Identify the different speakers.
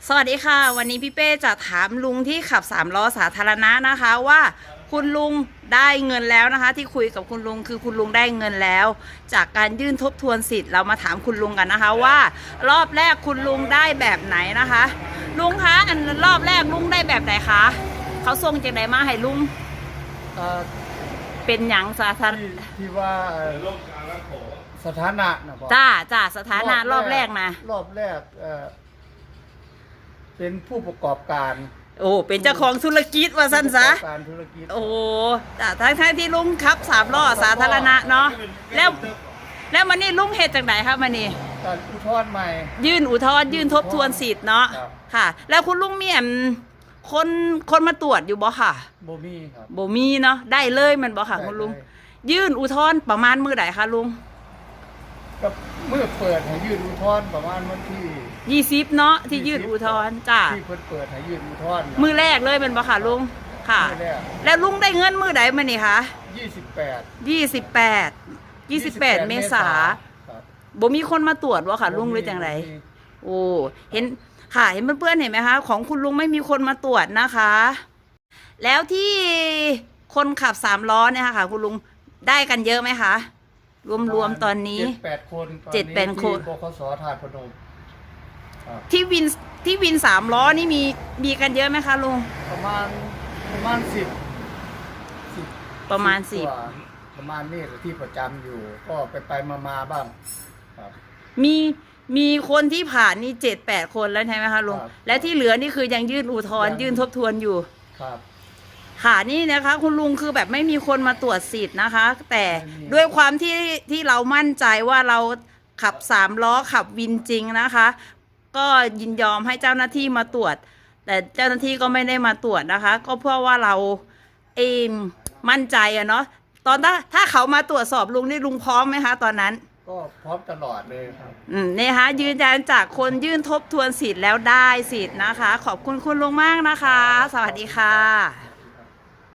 Speaker 1: สวัสดีค่ะวันนี้พี่เป้จะถามลุงที่ขับ3 ล้อสาธารณะนะคะว่าคุณลุงได้เงินแล้วนะคะที่คุยกับคุณลุงคือคุณลุงได้เงินแล้ว จากการยื่นทบทวนสิทธิ์เรามาถามคุณลุงกันนะคะว่ารอบแรกคุณลุงได้แบบไหนนะคะลุงคะอันรอบแรกลุงได้แบบไหนคะเขาส่งจากไหนมาให้ลุงเป็นหยังสาธารณะ
Speaker 2: ที่ว่าสถานะนะบอก
Speaker 1: จ้าสถานะรอบแรกนะ
Speaker 2: รอบแรกเป็นผู้ประกอบการ
Speaker 1: โอ้เป็นเจ้าของธุรกิจว่าสั้นซะ
Speaker 2: การธุรกิจ
Speaker 1: โอ้แต่ทั้งที่ลุงขับ3 ล้อสาธารณะเนาะแล้วมันนี่ลุงเหตุจากไหนครับมันนี่
Speaker 2: การอุทธรณ์ใหม่
Speaker 1: ยื่นอุทธรณ์ยื่นทบทวนสิทธิ์เนาะค่ะแล้วคุณลุงมีคนมาตรวจอยู่บ่ค่ะ
Speaker 2: บ่มีครับ
Speaker 1: บ่มีเนาะได้เลยมันบ่ค่ะคุณลุงยื่นอุทธรณ์ประมาณมื้อใดคะลุง
Speaker 2: ก็เมื่อเปิดให้ยื่นอุทธรณ์ประมาณวันที่
Speaker 1: 20เนาะที่ยื่นอุทธรณ์จ้า
Speaker 2: ที่เปิดให้ยื่นอุทธรณ์
Speaker 1: มื้อแรกเลยมันบ่ค่ะลุงค่ะแล้วลุงได้เงินมื้อใดมื้อนี่คะ28 เมษาบ่มีคนมาตรวจว่าค่ะลุงหรือจังไรโอ้เห็นค่ะเห็นเพื่อนๆเห็นไหมคะของคุณลุงไม่มีคนมาตรวจนะคะแล้วที่คนขับ3 ล้อเนี่ยค่ะคุณลุงได้กันเยอะไหมคะรวมตอนนี้
Speaker 2: 7-8 คน
Speaker 1: 7-8 คน
Speaker 2: บขส.ธาตุพนม
Speaker 1: ที่วิน3 ล้อนี่มีกันเยอะไหมคะลุง
Speaker 2: ประมาณ10
Speaker 1: ประมาณ
Speaker 2: ประมาณนี้ที่ประจำอยู่ก็ไปมาบ้างครับ
Speaker 1: มีคนที่ผ่านนี่7-8 คนแล้วใช่ไหมคะลุงและที่เหลือนี่คือยังยื่นอุทธรณ์ยื่นทบทวนอยู่
Speaker 2: ครับ
Speaker 1: ค่ะนี่นะคะคุณลุงคือแบบไม่มีคนมาตรวจสิทธิ์นะคะแต่ด้วยความที่เรามั่นใจว่าเราขับ3 ล้อขับวินจริงนะคะก็ยินยอมให้เจ้าหน้าที่มาตรวจแต่เจ้าหน้าที่ก็ไม่ได้มาตรวจนะคะก็เพราะว่าเรามั่นใจอะเนาะตอนถ้าเขามาตรวจสอบลุงนี่ลุงพร้อมไหมคะตอนนั้น
Speaker 2: ก็พร้อมตลอดเลยครับ
Speaker 1: นี่คะยืนยันจากคนยื่นทบทวนสิทธิ์แล้วได้สิทธิ์นะคะขอบคุณคุณลุงมากนะคะสวัสดีค่ะ